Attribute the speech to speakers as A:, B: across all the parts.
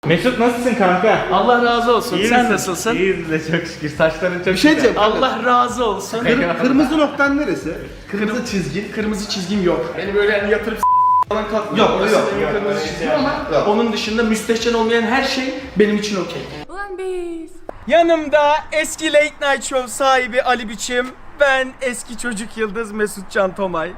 A: Mesut nasılsın kanka?
B: Allah razı olsun.
A: İyi
B: Sen
A: misin?
B: nasılsın?
A: İyiyiz de çok şükür. Saçların çok
C: Bir şey diyeceğim.
B: Allah razı olsun.
C: Kırmızı noktan neresi? Kırmızı çizgi.
B: Kırmızı çizgim yok. Beni böyle yani yatırıp falan kalkmıyor.
C: Yok,
B: Orası
C: yok,
B: benim
C: yok.
B: kırmızı çizgim ama
C: Yok.
B: onun dışında müstehcen olmayan her şey benim için okey. Yanımda eski Late Night Show sahibi Ali Biçim, ben eski çocuk yıldız Mesut Can Tomay.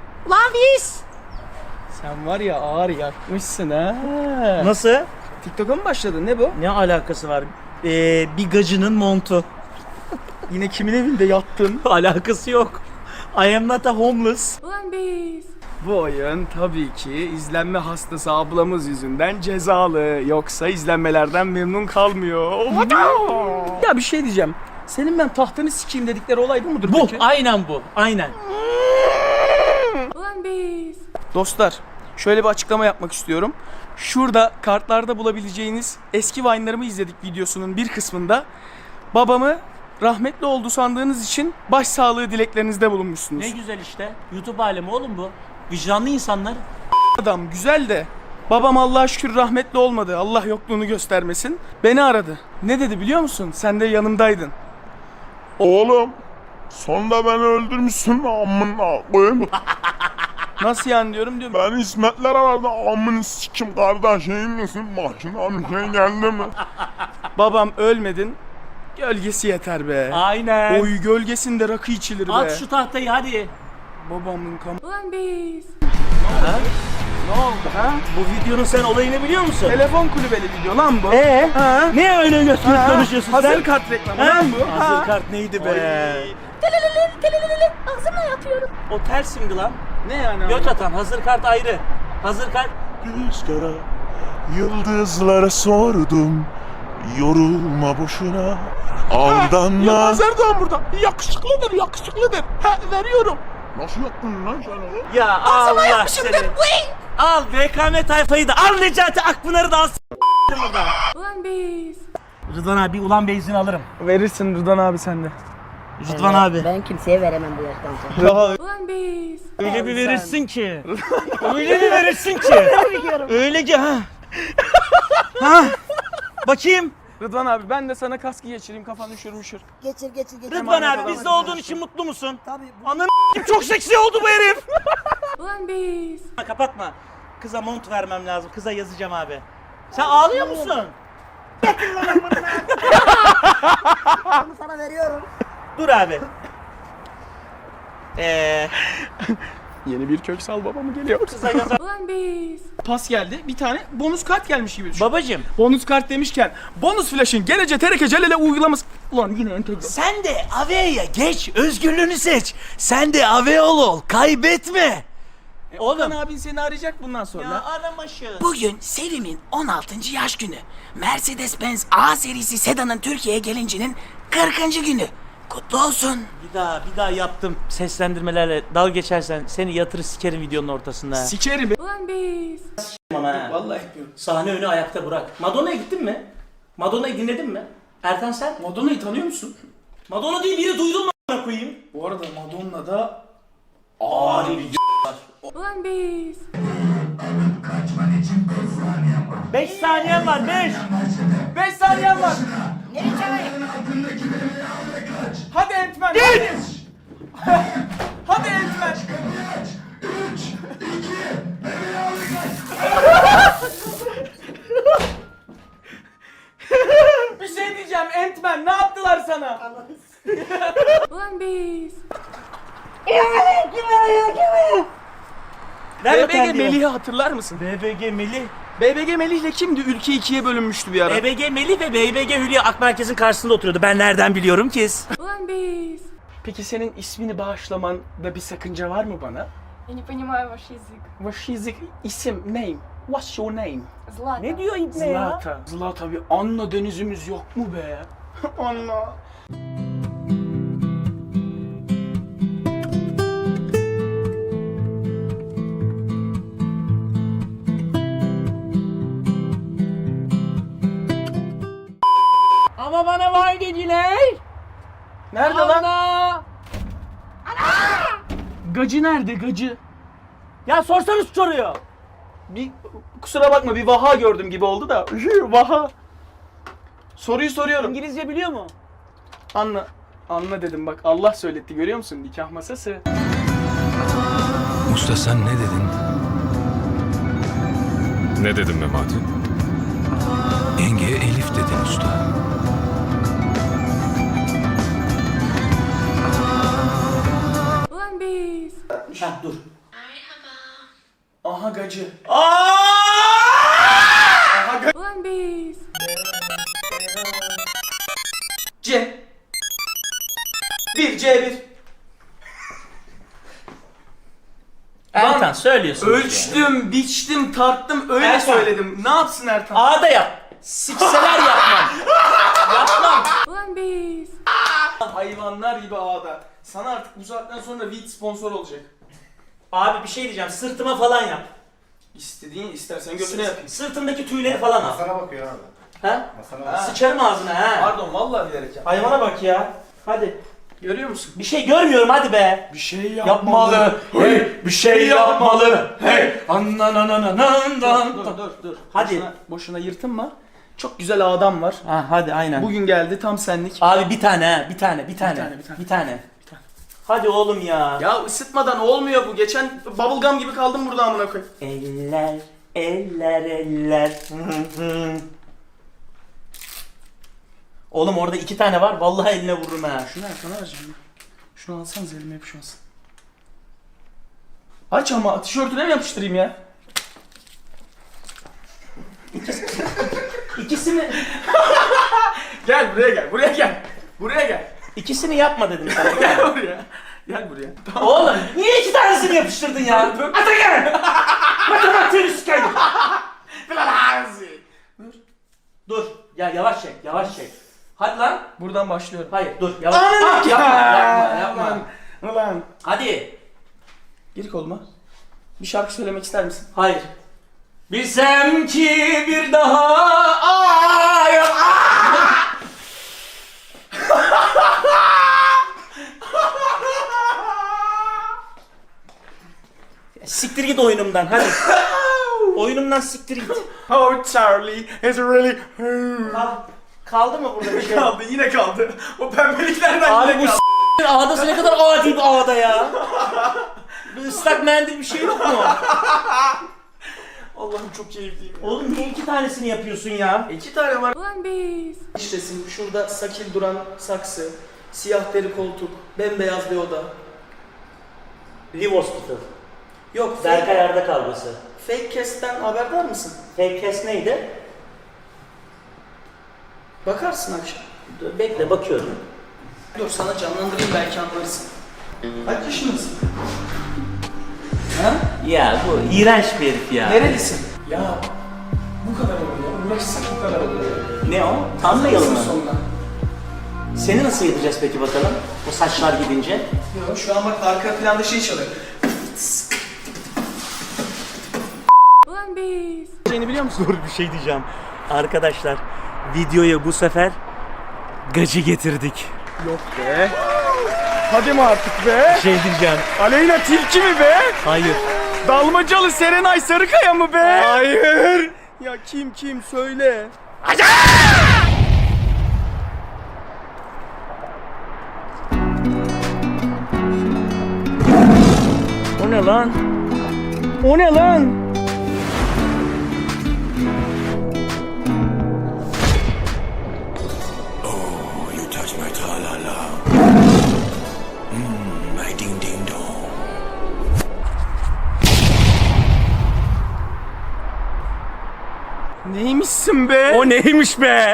B: Sen var ya ağır yakmışsın ha.
D: Nasıl?
B: TikTok'a mı başladın? Ne bu?
D: Ne alakası var? Bir gacının montu.
B: Yine kimin evinde yattın?
D: Alakası yok. I am not a homeless.
B: Bu oyun tabii ki izlenme hastası ablamız yüzünden cezalı. Yoksa izlenmelerden memnun kalmıyor. Ya bir şey diyeceğim. Senin ben tahtını sikeyim dedikleri olay bu mudur
D: Bu,
B: peki?
D: aynen bu. Aynen.
B: Dostlar, şöyle bir açıklama yapmak istiyorum. Şurada kartlarda bulabileceğiniz eski Vine'larımı izledik videosunun bir kısmında babamı rahmetli oldu sandığınız için başsağlığı dileklerinizde bulunmuşsunuz.
D: Ne güzel işte. YouTube alemi oğlum bu. Vicdanlı insanlar.
B: Adam güzel de babam Allah'a şükür rahmetli olmadı. Allah yokluğunu göstermesin. Beni aradı. Ne dedi biliyor musun? Sen de yanımdaydın.
E: Oğlum, sonunda beni öldürmüşsün amına koyayım.
B: Nasıl yani diyorum.
E: Ben İsmetler aradı amını sikim kardeşin misin? Başına bir şey geldi mi?
B: Babam ölmedin. Gölgesi yeter be.
D: Aynen.
B: Oy gölgesinde rakı içilir be.
D: At şu tahtayı hadi.
B: Babamın
D: Ne oldu ha? Bu videonun sen olayını biliyor musun?
B: telefon kulübeli video lan bu.
D: Ha? Ne öyle gösterip konuşuyorsun
B: Hazır
D: sen?
B: kart reklamı
D: Ha?
B: lan bu.
D: Hazır kart neydi be?
F: Ağzımla yapıyorum.
D: O tersimdi lan.
B: Ne yani?
D: Göt atan hazır kart ayrı. Hazır kart.
E: Rüzgara, yıldızlara sordum. Yorulma boşuna, aldanma.
B: Yılmaz Erdoğan burada. Yakışıklıdır, yakışıklıdır. Ha, veriyorum.
E: Nasıl yaptın lan sen onu?
D: Ya Allah seni. Al BKM tayfayı da al Necati Akpınar'ı da al burada. Rıdvan abi ulan beyzini alırım.
B: Verirsin Rıdvan abi sende.
D: Rıdvan abi.
F: Ben kimseye veremem bu yaştan sonra.
D: Öyle bir verirsin ki. Öyle bir verirsin ki. Öyle ki ha. Ha. Bakayım.
B: Rıdvan abi ben de sana kaskı geçireyim kafan üşür.
F: Geçir.
D: Rıdvan abi bizde olduğun için mutlu musun? Tabii. Ananı çok seksi oldu bu herif. Kapatma. Kıza mont vermem lazım. Kıza yazacağım abi. Sen ağlıyor musun?
F: Bunu sana veriyorum.
D: Dur abi.
B: Yeni bir köksal baba mı geliyor?
D: Kıza yazar.
B: Pas geldi. Bir tane bonus kart gelmiş gibi düşün.
D: Babacım.
B: Bonus kart demişken bonus flash'ın gelece tereke celele uygulaması. Ulan yine entegre.
D: Sen de Ave'ye geç. Özgürlüğünü seç. Sen de Aveol ol. Kaybetme.
B: Oğlum abin seni arayacak bundan sonra.
D: Ya aramaşı.
G: Bugün serimin 16. yaş günü. Mercedes-Benz A serisi sedanın Türkiye'ye gelincinin 40. günü. Kutlu olsun.
D: Bir daha yaptım seslendirmelerle dalga geçersen seni yatırır sikerim videonun ortasında.
B: Sikerim.
D: Ama ha.
B: Vallahi yapıyorum.
D: Sahne önü ayakta bırak. Madonna'ya gittin mi? Madonna'yı dinledin mi? Ertan sen?
B: Madonna'yı tanıyor musun?
D: Madonna değil biri duydun mu a**ına koyayım?
B: Bu arada Madonna'da
D: Ağır bir 5 saniyen var 5.
B: 5 saniyen var.
F: Nereye çağırayım?
B: Hadi Entmen. Hadi. Hadi Entmen. Bir şey diyeceğim Entmen, ne yaptılar sana?
D: Nerede
B: BBG
D: terliyor?
B: Melih'i hatırlar mısın?
D: BBG Melih.
B: BBG Melih'le kimdi? Ülke ikiye bölünmüştü bir ara.
D: BBG Melih ve BBG Hülya Ak Merkez'in karşısında oturuyordu. Ben nereden biliyorum ki?
B: Peki senin ismini bağışlamanda bir sakınca var mı bana?
H: Я не понимаю ваш язык.
B: Vaşizik isim, name. What's your name?
H: Zlata.
D: Ne diyor İbne ya?
B: Zlata. Zlata bir Anna denizimiz yok mu be? Anna.
D: Ama bana var dediler.
B: Nerede lan? Gacı nerede gacı?
D: Ya sorsanız soruyor.
B: Bir kusura bakma bir vaha gördüm gibi oldu da. Vaha. Soruyu soruyorum.
D: İngilizce biliyor mu?
B: Anla. Anla dedim bak Allah söyletti görüyor musun nikah masası.
I: Usta sen ne dedin?
E: Ne dedim Memati?
I: Yengeye Elif dedin usta.
H: Ulan biz.
D: Ha dur.
B: Aha gacı.
H: Ulan biz.
B: C. 1 C1.
D: Ertan söylüyorsun.
B: Ölçtüm, biçtim, tarttım öyle
D: Ertan.
B: söyledim. Ne yapsın Ertan?
D: A'da yap. Sikseler yapmam. Yapmam.
H: Ulan biz.
B: Hayvanlar gibi ağda. Sana artık bu saatten sonra Vit sponsor olacak.
D: Abi bir şey diyeceğim. Sırtıma falan yap.
B: İstediğin istersen götüne yapayım.
D: Sırtımdaki tüyleri falan al.
C: Sana bakıyor abi.
D: Ha?
B: Ha.
D: Sıçarım ağzına ha.
B: Pardon vallahi bilerek yap.
D: Hayvana bak ya. Hadi.
B: Görüyor musun?
D: Bir şey görmüyorum hadi be.
B: Bir şey
D: Yapmalı.
B: Hey, bir şey yapmalı. Hey. Dur.
D: Hadi.
B: Boşuna yırtınma. Çok güzel adam var.
D: Ha hadi aynen.
B: Bugün geldi tam senlik.
D: Abi bir tane ha. Bir tane.
B: Bir tane.
D: Hadi oğlum ya.
B: Ya ısıtmadan olmuyor bu. Geçen bubblegum gibi kaldım burada amına koy.
D: Eller. Oğlum orada 2 tane var. Vallahi eline vururum ha.
B: Şunu Erkan'a vereceğim. Şunu alsanız elime yapışmasın. Aç ama tişörtüne mi yapıştırayım ya?
D: İkisini
B: Gel buraya gel.
D: ikisini yapma dedim sana.
B: Gel buraya. Gel buraya.
D: Oğlum niye 2 tanesini yapıştırdın ya? Atakan! Matematiğini sikeyim. Dur. Ya yavaş çek. Hadi lan.
B: Buradan başlıyorum.
D: Hayır dur yavaş. Ah, yapma.
B: Ulan.
D: Hadi.
B: Gir koluma. Bir şarkı söylemek ister misin?
D: Hayır. Bilsem ki bir daha Siktir git oyunumdan hadi. Oyunumdan siktir git.
B: Oh Charlie is really...
D: Kaldı mı burada bir şey?
B: Kaldı yine kaldı. O pembeliklerden
D: Abi
B: yine
D: bu
B: kaldı.
D: ağdası ne kadar adi bir ağda ya. Bir ıslak mendil bir şey yok mu?
B: Allah'ım çok keyifliyim.
D: Oğlum niye 2 tanesini yapıyorsun ya?
B: 2 tane var.
H: Ulan biz.
B: İç resim, şurada sakil duran saksı, siyah deri koltuk, bembeyaz bir oda.
D: Live Hospital.
B: Yok,
D: Berkay Arda kavgası.
B: fake cast'ten haberdar mısın?
D: Fake cast neydi?
B: Bakarsın akşam.
D: Dur, bekle bakıyorum.
B: Dur sana canlandırayım belki anlarsın. Kaç yaşındasın? Ha?
D: Ya bu iğrenç bir herif ya.
B: Nerelisin? Ya bu kadar oluyor. Uğraşsak bu kadar oluyor.
D: Ne o? Thumbnail mı?
B: Sonuna.
D: Seni nasıl yapacağız peki bakalım? O saçlar gidince.
B: Yok şu an bak arka planda şey çalıyor.
H: Ulan biz.
B: Şeyini biliyor musun?
D: Dur bir şey diyeceğim. Arkadaşlar videoya bu sefer gacı getirdik.
B: Yok be. Hadi mi artık be?
D: Bir şey diyeceğim.
B: Aleyna Tilki mi be?
D: Hayır.
B: Dalmacalı Serenay Sarıkaya mı be? Hayır. Ya kim söyle.
D: O ne lan?
B: O ne lan?
I: You touch my tra-la-la. My ding-ding-dong.
B: Neymişsin be?
D: O neymiş be?